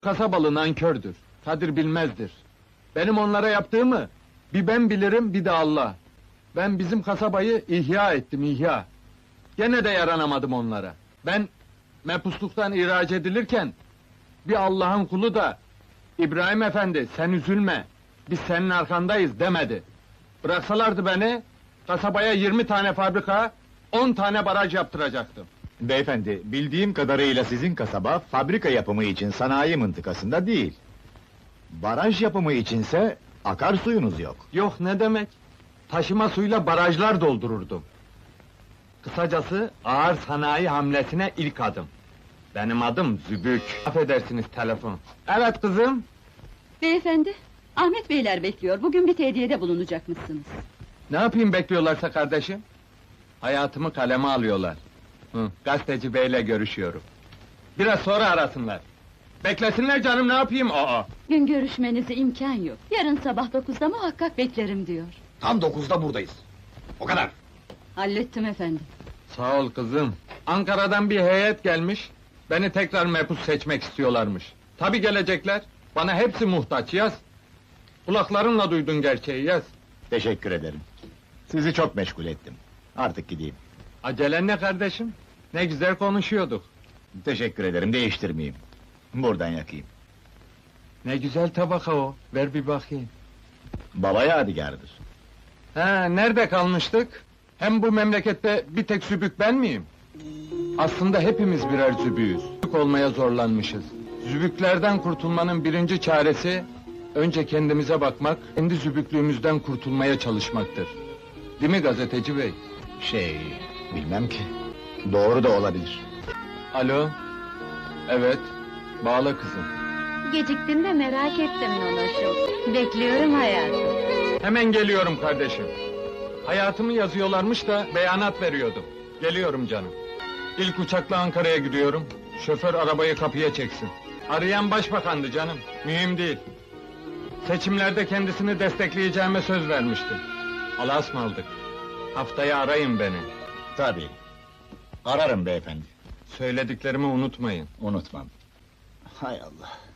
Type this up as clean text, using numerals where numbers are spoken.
Kasabalı nankördür, kadir bilmezdir. Benim onlara yaptığımı bir ben bilirim, bir de Allah. Ben bizim kasabayı ihya ettim, ihya. Gene de yaranamadım onlara. Ben mepusluktan ihraç edilirken bir Allah'ın kulu da İbrahim Efendi sen üzülme, biz senin arkandayız demedi. Bıraksalardı beni, kasabaya 20 tane fabrika, 10 tane baraj yaptıracaktım. Beyefendi, bildiğim kadarıyla sizin kasaba, fabrika yapımı için sanayi mıntıkasında değil. Baraj yapımı içinse, akarsuyunuz yok. Yok ne demek? Taşıma suyla barajlar doldururdum. Kısacası ağır sanayi hamlesine ilk adım. Benim adım Zübük. Affedersiniz telefon. Evet kızım. Beyefendi, Ahmet Beyler bekliyor. Bugün bir tehdiyede bulunacakmışsınız. Ne yapayım bekliyorlarsa kardeşim? Hayatımı kaleme alıyorlar. Gazeteci beyle görüşüyorum. Biraz sonra arasınlar. Beklesinler canım ne yapayım? Aa. Gün görüşmenize imkan yok. Yarın sabah 9'da muhakkak beklerim diyor. Tam 9'da buradayız. O kadar. Hallettim efendim. Sağ ol kızım. Ankara'dan bir heyet gelmiş. Beni tekrar mebus seçmek istiyorlarmış. Tabii gelecekler. Bana hepsi muhtaç yaz. Kulaklarınla duydun gerçeği yaz. Teşekkür ederim. Sizi çok meşgul ettim. Artık gideyim. Acelen ne kardeşim? Ne güzel konuşuyorduk. Teşekkür ederim, değiştirmeyeyim. Buradan yakayım. Ne güzel tabaka o. Ver bir bakayım. Baba yadigarıdır. Ha, nerede kalmıştık? Hem bu memlekette bir tek zübük ben miyim? Aslında hepimiz birer zübüğüz. Zübük olmaya zorlanmışız. Zübüklerden kurtulmanın birinci çaresi... ...önce kendimize bakmak, kendi zübüklüğümüzden kurtulmaya çalışmaktır. Değil mi gazeteci bey? Bilmem ki. Doğru da olabilir. Alo? Evet, bağla kızım. Geciktin de merak ettim Nonoşum. Bekliyorum hayatım. Hemen geliyorum kardeşim. Hayatımı yazıyorlarmış da beyanat veriyordum. Geliyorum canım. İlk uçakla Ankara'ya gidiyorum. Şoför arabayı kapıya çeksin. Arayan başbakandı canım, mühim değil. Seçimlerde kendisini destekleyeceğime söz vermiştim. Allah'a ısmarladık. Haftaya arayın beni. Tabii. Ararım beyefendi. Söylediklerimi unutmayın. Unutmam. Hay Allah!